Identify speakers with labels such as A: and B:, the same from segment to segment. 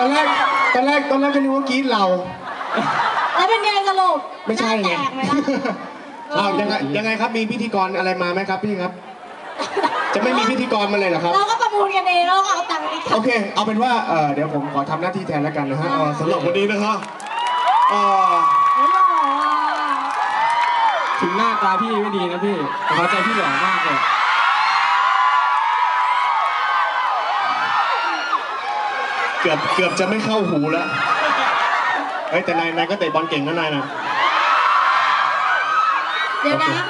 A: ตอนแรกก็นึกว่ากรี๊ดเรา
B: แล้วเป็นไงสรุป
A: ไม่ใช่ไงอ้าวยังไงครับมีพิธีกรอะไรมาไหมครับพี่ครับจะไม่มีพิธีกรมาเลยเหรอครับ
B: เราก็ประมูลกันเองแล้วก็เอาตังค์ไป
A: โอเคเอาเป็นว่าเดี๋ยวผมขอทำหน้าที่แทนแล้วกันนะฮะสำหรับวันนี้นะฮะ
C: ถึงหน้าตาพี่ไม่ดีนะพี่แต่หัวใจพี่หล่อมากเลย
A: เกือบจะไม่เข้าหูแล้วเฮ้ยแต่นายก็เตะบอลเก่งนะนายนะ
B: เดี๋ยวนะ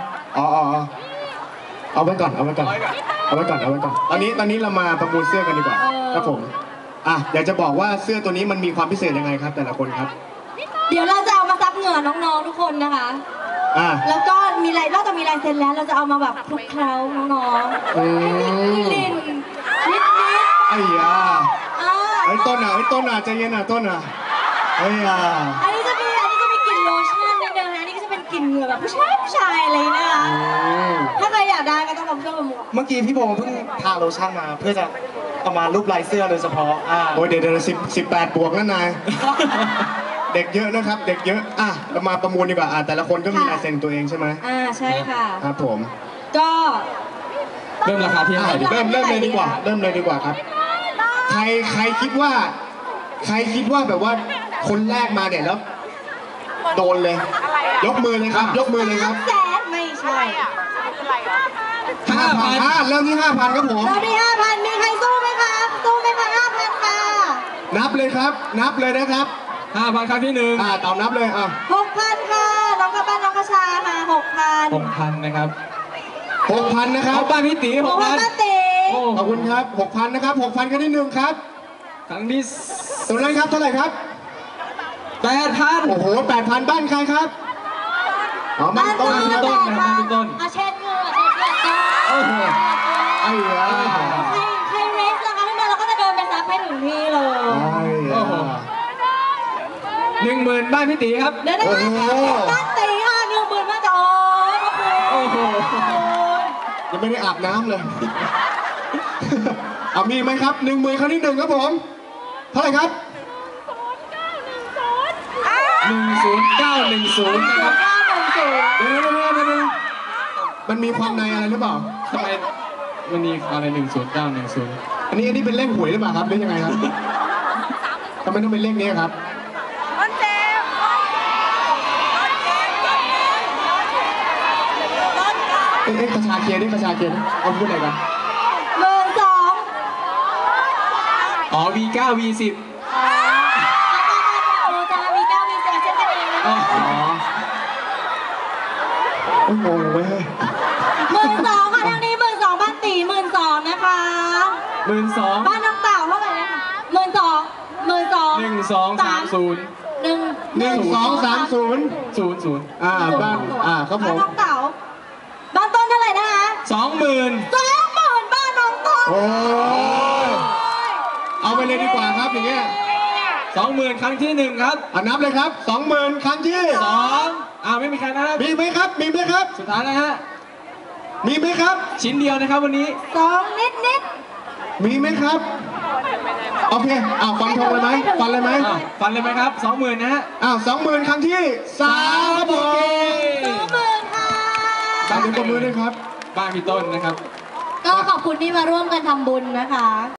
A: เอาไว้ก่อนตอนนี้เรามาประมูลเสื้อกันดีกว่าครับผมอยากจะบอกว่าเสื้อตัวนี้มันมีความพิเศษยังไงครับแต่ละคนครับ
B: เดี๋ยวเราจะเอามาซับเหงื่อน้องๆทุกคนนะคะแล้วก็นอกจากมีลายเซ็นแล้วเราจะเอามาแบบคลุกเคล้าน้องๆลินนิด
A: ไอ้ยาไอ้ต้นใจเย็นต้นไอ้ยา
B: อันนี้จะมีกลิ่นโลชั่นนิดนึงนะนี่ก็จะเป็นกลิ่นเหงื่อแบบผู้ชายอะไรนะคะถ้าใครอยากได้ก็ต้องมาช่วยประมูล
D: เมื่อกี้พี่โบเพิ่งทาโลชั่นมาเพื่อจะเอามารูปลายเสื้อโดยเฉพาะ
A: โอ้ยเดี๋ยว18 บวกนั่นนายเด็กเยอะนะครับเด็กเยอะเรามาประมูลดีกว่าแต่ละคนก็มีลายเซ็นตัวเองใช่ไหม
B: ใช่ค่ะ
A: ครับผม
B: ก็
C: เริ่มราคาที่เท่าไหร่
A: เริ่มเลยดีกว่าครับใครคิดว่าแบบว่าคนแรกมาเนี่ยแล้วโดนเลยยกมือเลยครับ
B: แสนไม่ใช่
A: 5,000เริ่มที่ 5,000ครับผม
B: เริ่มที่ 5,000มีใครสู้ไหมครับ5,000ค่ะ
A: นับเลยครับนับเลยนะครับ
C: 5,000ครั้งที่1
A: ตามนับเลย
B: 6,000ค่ะน้องกระบ้านน้องกระชาค่ะ
C: 6,000นะครับ
A: 6,000นะครับ
C: บ้านพี่ตี
A: 6,000ขอบคุณครับ 6,000นะครับ 6,000ครั้งที่1ครับ
C: ครั้งที่
A: ตรงนั้นครับเท่าไหร่ครับ
C: 8,000
A: โอ้โห 8,000บ้านใครครับ
B: บ้านต้น
C: นะครับพี่ต้น
B: เช็ดเงิน
A: โอ้โหไอ้ยา
B: ใครเรสนะคะท่านเราก็จะเดินไปซับให้ถึงที่เลย
A: โอ้โห
C: 10,000บ้านพี่ตีครับ
B: เดี๋ยวนะบ้านตีค่ะ10,000บ้านจอ
C: โอ้โห
A: ยังไม่ได้อาบน้ำเลยมีไหมครับ10,000ครั้งที่1ครับผมเท่าไหร่ครับ
C: 10910นะครับ
A: เดี๋ยวมันมีความในอะไรหรือเปล่า
C: ทำไมมันมีอะไร10910
A: อันนี้เป็นเลขหวยหรือเปล่าครับหรือยังไงครับทำไมต้องเป็นเลขนี้ครับกระชาเคียนเอาพูดอะไรกัน
C: V9 V10
A: โอ้โหเว้ย
B: 12,000ค่ะทางนี้12,000บ้านตี12,000นะคะ
C: 12,000
B: บ้านน้องเต่าเท่าไหร่นะคะ
C: 1230
A: บ้านครับผม
B: บ้านน้องเต่าบ้านต้นเท่าไหร่นะคะ
C: 20,000
B: บ้านน้องต้น
A: โอ้เอาไปเลยดีกว่าครับอย่างเงี้ย
C: 20,000ครั้งที่1ครับ
A: นับเลยครับ20,000ครั้งที่
C: 2ไม่มีใครนะครับ
A: มีไหมครับ
C: สุดท้ายนะฮะ
A: มีไหมครับ
C: ชิ้นเดียวนะครับวันนี้
B: 2นิด
A: มีไหมครับโอเคฟันธงเลยไหมฟันเลยไหม
C: ครับ20,000นะฮะ
A: 20,000ครั้งที่3ครับผม
B: 20,000ค่ะ
A: ตามถึงประมือด้วยครับ
C: บ้านพี่ต้นนะครับ
B: ก็ขอบคุณที่มาร่วมกันทำบุญนะคะ